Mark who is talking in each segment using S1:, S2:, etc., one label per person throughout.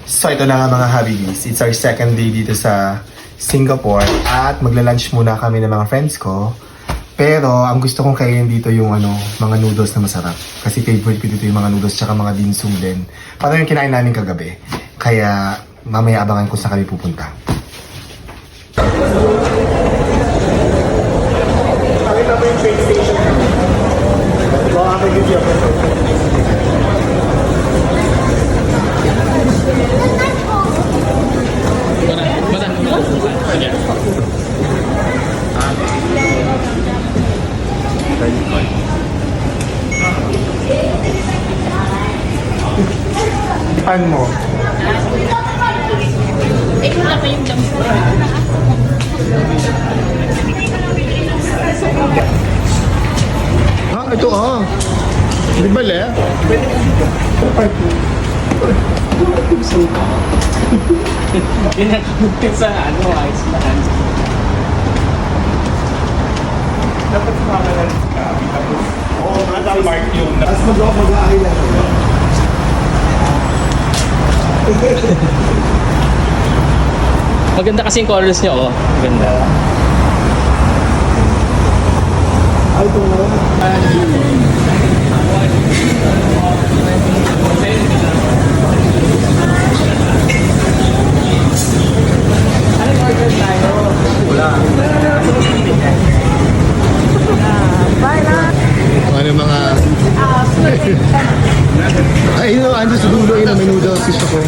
S1: So ito na nga mga Habibis, it's our second day dito sa Singapore at magla-lunch muna kami ng mga friends ko. Pero ang gusto kong kainin dito yung mga noodles na masarap. Kasi favorite ko dito yung mga noodles tsaka mga dim sum din. Parang yung kinain namin kagabi. Kaya mamaya abangan ko sa kami pupunta. Pakita mo yung train station. Ito ang aking video. Pan mo.
S2: Ito na pa yung jump.
S1: Ito Di ba le?
S3: Pinag-upit sa ice man. Dapat kumakalan ka. Oo, nasa-park yung...
S1: Tapos mag-aay lang.
S3: Maganda kasi yung colors niya, oh. Maganda.
S1: Ay, ito na.
S3: Anong order tayo? Wala.
S1: Ano mga... Ay, ando sa dulo yun, may noodles gusto ko.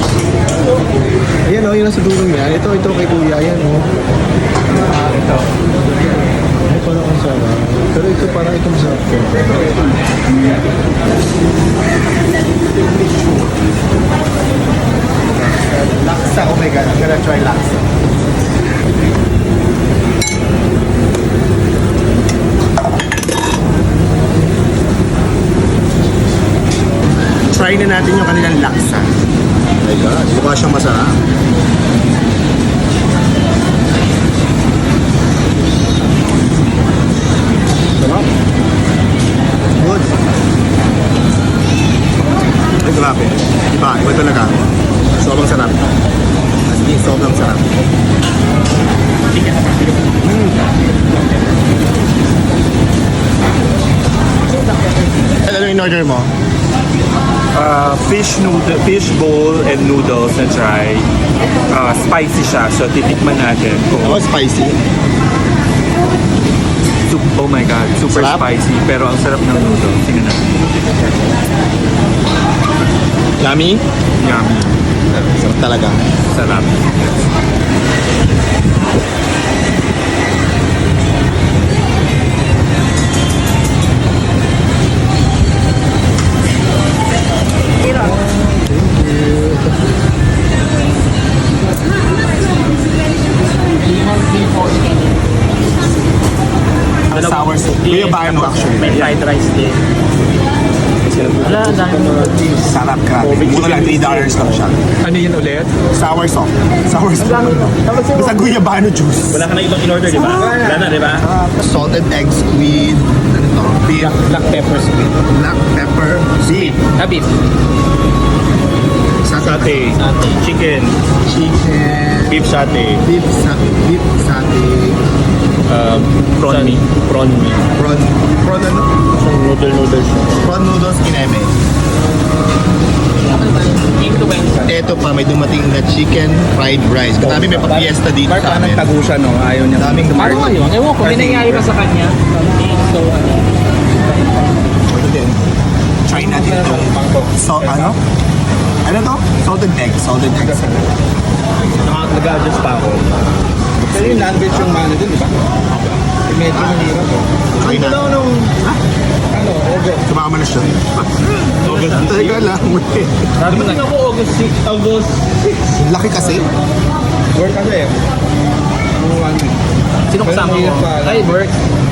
S1: Ayan yun sa dulo niya. Ito kay kuya, ayan
S3: Ito.
S1: Ay, parang ang sarap. Pero ito parang itong sarap ko. Laksa, oh my god, I'm gonna try laksa. Try na natin yung kanilang laksa. Oh my god, mukha siyang masarap. Sarap. Good. Ay, grabe. Iba talaga. Sobrang sarap. As in, sobrang sarap. Ano yung order mo?
S4: Fish bowl and noodles na try. Spicy siya, so titikman natin.
S1: Oh, spicy.
S4: Oh my god, super
S1: Sarap?
S4: spicy, pero ang sarap ng noodles. Tingnan natin.
S1: Yummy?
S4: Yummy.
S1: Sarap talaga.
S4: Sarap.
S1: Sour soup. Kuya ba mo actually?
S3: May fried rice din. Wala, ang dami mo.
S1: Sarap ka. Muna lang, $3 lang siya.
S4: Ano yun ulit?
S1: Sour soup. Sour soup. Basta guyabano juice.
S3: Wala ka na ibang in-order, di ba? Wala na, di ba?
S1: Salted egg squid. Ano to? Beef.
S3: Black pepper sweet.
S1: Black pepper. Beef.
S3: Beef.
S4: Satay. Chicken.
S1: Chicken.
S4: Beef satay.
S1: Beef satay.
S4: Prawn meat.
S1: Prawn ano?
S4: Noodles.
S1: Prawn noodles kineme. Ito pa, may dumating na chicken fried rice. Katabi may pa-fiesta dito sa amin.
S4: Tagusan, no? Ayaw niya.
S1: Daming
S3: Ano nga yun? Ewan ko, may nangyari pa sa kanya. So,
S1: Ito din. Try natin ito. So, ano? Ano to? Salted egg.
S4: Nag-adjust pa ako. Pero yung non-veg yung mano dun, di ba? Medyo mahirap eh.
S1: Try natin.
S4: August.
S1: Sumama na siya. Teka lang.
S4: Sabi mo ako August 6. August 6.
S1: Laki kasi.
S4: Work kasi eh.
S3: sino kasama mo? Ay, work.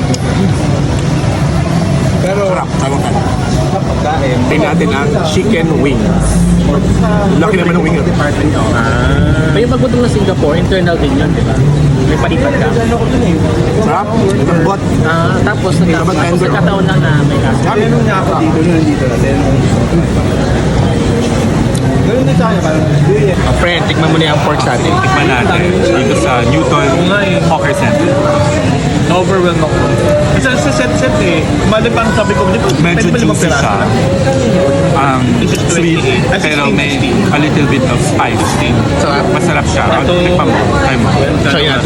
S4: Pero
S1: Sarap. Tawag ka.
S4: pagkain.
S1: Tingnan natin ang chicken wings. Laki naman ng wing.
S3: Pero yung pagpunta ng Singapore, internal din yun, di ba? May palipad ka.
S1: Sarap. Lambot.
S3: Tapos
S1: Dapat tender.
S3: nagkataon lang na may kaso.
S4: Ganun nga ako dito, nandito na din.
S1: Friend, tikman mo na yung pork sa atin.
S4: Tikman natin dito sa Newton Hawker Center.
S5: Overwhelmed ako. Kasi sa set eh, mali pang sabi ko, di ba?
S4: Medyo
S5: pwede ba limang
S4: juicy
S5: piraso
S4: siya.
S5: lang?
S4: This is sweet,
S5: 28.
S4: pero may a little bit of spice.
S1: Sarap.
S4: Masarap siya. Tikman mo. Try mo.
S1: Try natin.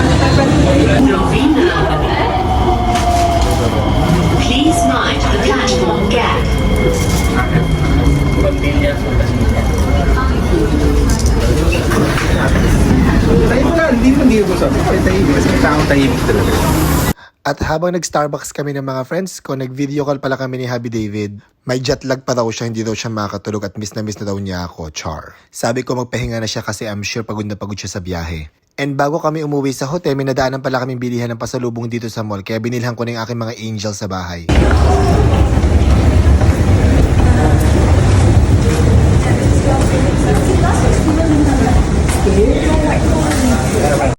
S6: Please mind the platform gap.
S1: At habang nag-Starbucks kami ng mga friends ko, nag-video call pala kami ni Happy David. May jet lag pa daw siya, hindi daw siya makatulog at miss na daw niya ako, char. Sabi ko magpahinga na siya kasi I'm sure pagod na pagod siya sa biyahe. And bago kami umuwi sa hotel, may nadaanan pala kaming bilihan ng pasalubong dito sa mall, kaya binilhan ko na yung aking mga angel sa bahay.